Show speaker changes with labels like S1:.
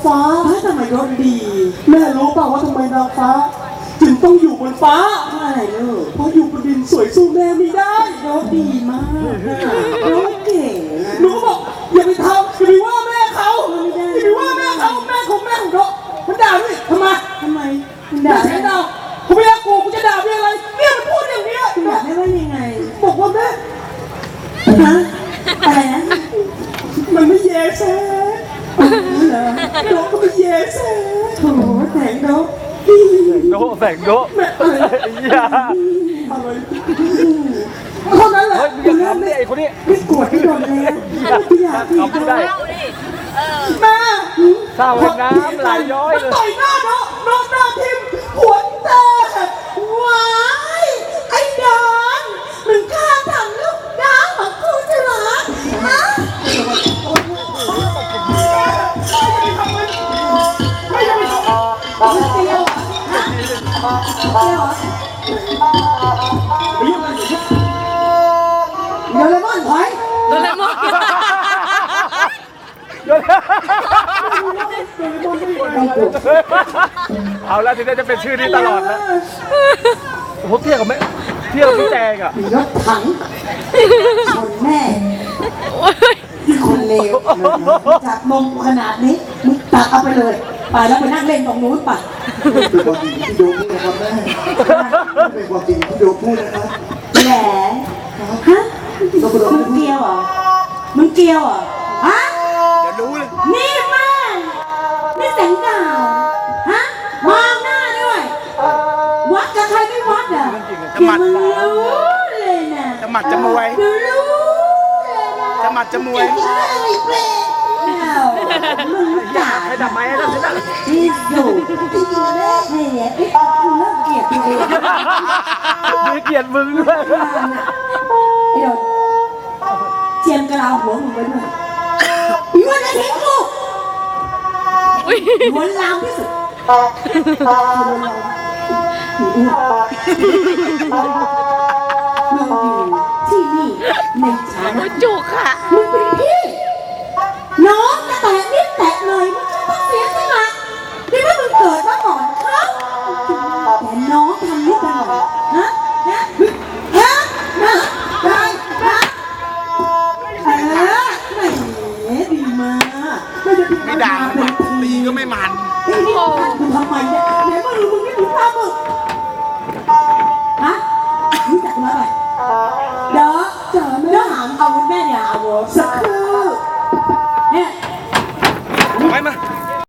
S1: ฟ้าทำไมรถดีแม่รู้เปล่าว่าทำไมนางฟ้าจึงต้องอยู่บนฟ้าเพราะอะไรลูกเพราะอยู่บนดินสวยสู้แม่ไม่ได้รถดีมากรถเก่งหนูก็บอกอย่าไปทำอย่าไปว่าแม่เขาอย่าไปว่าแม่เขาแม่ของเขามันด่าด้วยทำไมด่าใช่ด่าผมไม่รักกูจะด่าเป็นอะไรเนี่ยมันพูดอย่างนี้ด่าไม่ว่ายังไงบอกว่าแม่ฮะอะไรนะมันไม่แย่แซ่เหรอโดก็ไม่แย่แซ่โถแสงโด
S2: แสงโด
S1: แม่อะไรเท่านั้นแหละ
S2: มึงอย่าทำดิไอ้คนนี้
S1: ไม่โกรธไม่โดนเลยไม่อยากทำได้แม่
S2: ข้าวน้ำไหลย้อยเลย
S1: ต่อยหน้าน้องหน้าทิมหัวแตกว้ายไอ้ดอนมึงฆ่าทำลูกน้ำของกูจะเหรอฮะไม่เตี้ยวฮะเตี้ยวโดเรมอนถอย
S3: โดเรมอน
S2: เอาแล้วทีนี้จะเป็นชื่อนี้ตลอดแล้วโอ้โหเที่ยวกับพี่แจงอ่ะ
S1: รถถังชนแม่คนเลวจับนมขนาดนี้มึงตักเอาไปเลยไปแล้วไปนั่งเล่นตรงนู้นไป
S4: เป็นความจริงที่โดมพูดนะครับแม่เป็นความจริงที่โดมพูดนะครับ
S1: แหละฮะมึงเกลียวเหรอฮะ
S2: เดี๋ยวรู้เลย
S1: นี่แม่นี่แสงดาวฮะมองหน้าด้วยวัดกับใครไม่วัดอ่ะจะมัดเลยนะ
S2: จะหมัดจะมวย
S1: รู้เลยนะ
S2: จะหมัดจะมวย
S1: มึงด่า
S2: ให้ดับไม้ให้ดับ
S1: ที่อยู่ที่อยู่แม่เนี่ยกูเลิกเกลียดตัวเอง
S2: มีเกียรติมึงด้วย
S1: ไอ้โดนเจียมกระลาหัวมึงไว้ด้วยมันจะทิ้งกูหัวลามที่สุดมึงอยู่ที่นี่ในฐานะ
S3: จุกค่ะ
S1: มึงเป็นพี่น้องจะแตะนิดแตะหน่อยมึงจะต้องเสียสละที่ว่ามึงเกิดมาก่อนเขาแต่น้องทำนิดหน่อยนะดีมาก
S2: ไม่ด่าตีก็ไม่มัน
S1: นี่มึงทำไมเนี่ยไหนมาดูมึงไม่ดูตามึงฮะรู้จักกูแล้วไหมเดี๋ยวหามเอาคุณแม่เนี่ยเอาสักคื